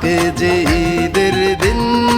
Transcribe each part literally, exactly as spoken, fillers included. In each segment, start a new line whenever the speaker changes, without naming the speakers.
আজকে যে ঈদের দিন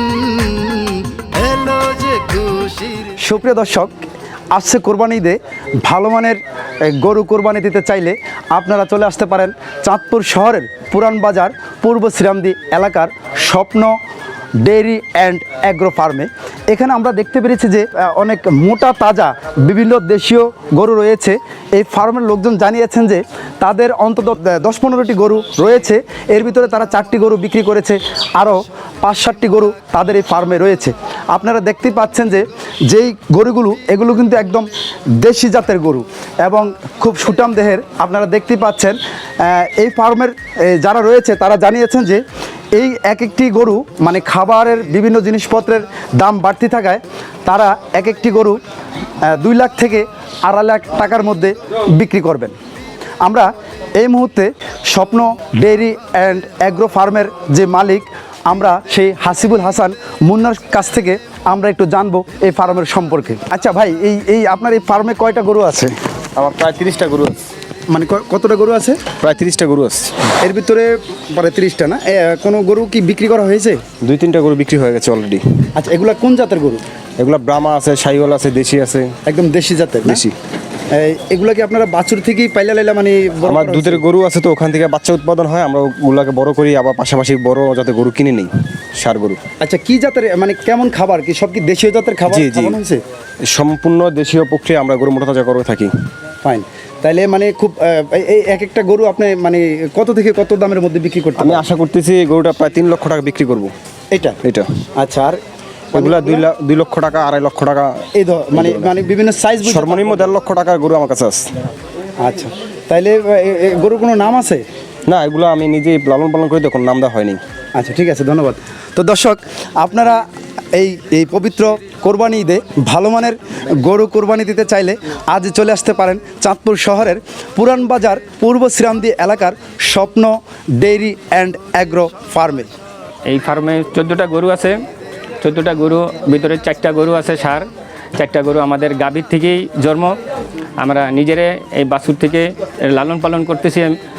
এলো যে খুশির।
সুপ্রিয় দর্শক, আসছে কোরবানি ঈদে ভালো মানের গরু কোরবানি দিতে চাইলে আপনারা চলে আসতে পারেন চাঁদপুর শহরের পুরান বাজার পূর্ব শ্রীরামদী এলাকার স্বপ্ন ডেইরি অ্যান্ড অ্যাগ্রো ফার্মে। এখানে আমরা দেখতে পেরেছি যে অনেক মোটা তাজা বিভিন্ন দেশীয় গরু রয়েছে। এই ফার্মের লোকজন জানিয়েছেন যে তাদের অন্তত দশ পনেরোটি গরু রয়েছে, এর ভিতরে তারা চারটি গরু বিক্রি করেছে, আরও পাঁচ সাতটি গরু তাদের এই ফার্মে রয়েছে। আপনারা দেখতেই পাচ্ছেন যে যেই গরুগুলো এগুলো কিন্তু একদম দেশি জাতের গরু এবং খুব সুঠাম দেহের। আপনারা দেখতেই পাচ্ছেন এই ফার্মের যারা রয়েছে তারা জানিয়েছেন যে এই এক একটি গরু মানে খাবারের বিভিন্ন জিনিসপত্রের দাম বাড়তি থাকায় তারা এক একটি গরু দুই লাখ থেকে আড়াই লাখ টাকার মধ্যে বিক্রি করবেন। আমরা এই মুহূর্তে স্বপ্ন ডেইরি অ্যান্ড অ্যাগ্রো ফার্মের যে মালিক, আমরা সেই হাসিবুল হাসান মুন্নার কাছ থেকে আমরা একটু জানবো এই ফার্মের সম্পর্কে। আচ্ছা ভাই, এই এই আপনার এই ফার্মে কয়টা গরু আছে?
আমার প্রায় তিরিশটা গরু আছে।
মানে কতটা গরু আছে?
প্রায় তিরিশটা গরু আছে।
এর ভিতরে প্রায় তিরিশটা না? কোনো গরু কি বিক্রি করা হয়েছে?
দুই তিনটা গরু বিক্রি হয়ে গেছে অলরেডি।
আচ্ছা, এগুলা কোন জাতের গরু?
এগুলো ব্রাহ্মা আছে, শাহিওয়াল আছে, দেশি আছে।
একদম দেশি জাতের?
দেশি।
এগুলো কি আপনারা বাছুর থেকেই পাইলা লাইলা মানে?
আমার দুধের গরু আছে, তো ওখান থেকে বাচ্চা উৎপাদন হয়, আমরা ওগুলোকে বড় করি, আবার পাশাপাশি বড় যাতে গরু কিনে নেই, সার গরু।
আচ্ছা, কি জাতের মানে কেমন খাবার কি সব কি দেশীয় জাতের খাবার খাওয়ানো হয়েছে?
সম্পূর্ণ দেশীয় প্রক্রিয়া আমরা গরু মোটা তাজা করে থাকি।
ফাইন। তাইলে মানে খুব এই এক একটা গরু আপনি মানে কত থেকে কত দামের মধ্যে বিক্রি করতে?
আমি আশা করতেছি গরুটা প্রায় তিন লক্ষ টাকা বিক্রি করব।
এটা
এটা
আচ্ছা। আর
এগুলা দুই লাখ দুই লক্ষ টাকা আড়াই লক্ষ টাকা
এই মানে মানে বিভিন্ন সাইজ?
সর্বনিম্ন দেড় লক্ষ টাকার গরু আমার কাছে আছে।
আচ্ছা, তাইলে গরুর কোনো নাম আছে?
না, এগুলো আমি নিজেই লালন পালন করি, তখন নাম দেওয়া হয়নি।
আচ্ছা, ঠিক আছে, ধন্যবাদ। তো দর্শক, আপনারা এই এই পবিত্র কোরবানি ঈদে ভালো মানের গরু কোরবানি দিতে চাইলে আজ চলে আসতে পারেন চাঁদপুর শহরের পুরান বাজার পূর্ব শ্রীরামদী এলাকার স্বপ্ন ডেইরি অ্যান্ড অ্যাগ্রো ফার্মে।
এই ফার্মে চোদ্দোটা গরু আছে। চোদ্দোটা গরু ভিতরে চারটা গরু আছে সার, চারটা গরু আমাদের গাভীর থেকেই জন্ম। আমরা নিজেরে এই বাছুর থেকে লালন পালন করতেছি।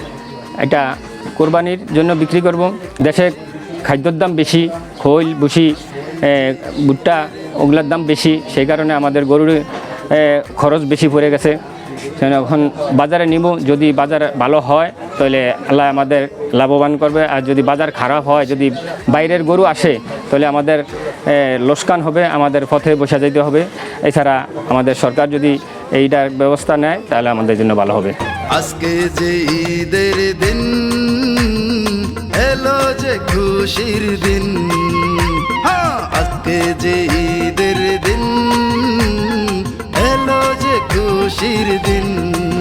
এটা কোরবানির জন্য বিক্রি করব। দেশে খাদ্যর দাম বেশি, খৈল ভুসি ভুট্টা ওগুলোর দাম বেশি, সেই কারণে আমাদের গরুর খরচ বেশি পড়ে গেছে। এখন বাজারে নিব, যদি বাজার ভালো হয় তাহলে আল্লাহ আমাদের লাভবান করবে, আর যদি বাজার খারাপ হয়, যদি বাইরের গরু আসে তাহলে আমাদের লোকসান হবে, আমাদের পথে বসে যেতে হবে। এছাড়া আমাদের সরকার যদি এইটার ব্যবস্থা নেয় তাহলে আমাদের জন্য ভালো হবে।
আজকে যে ঈদের দিন এলো যে খুশির দিন, আজকে যে ঈদের দিন এলো যে খুশির দিন।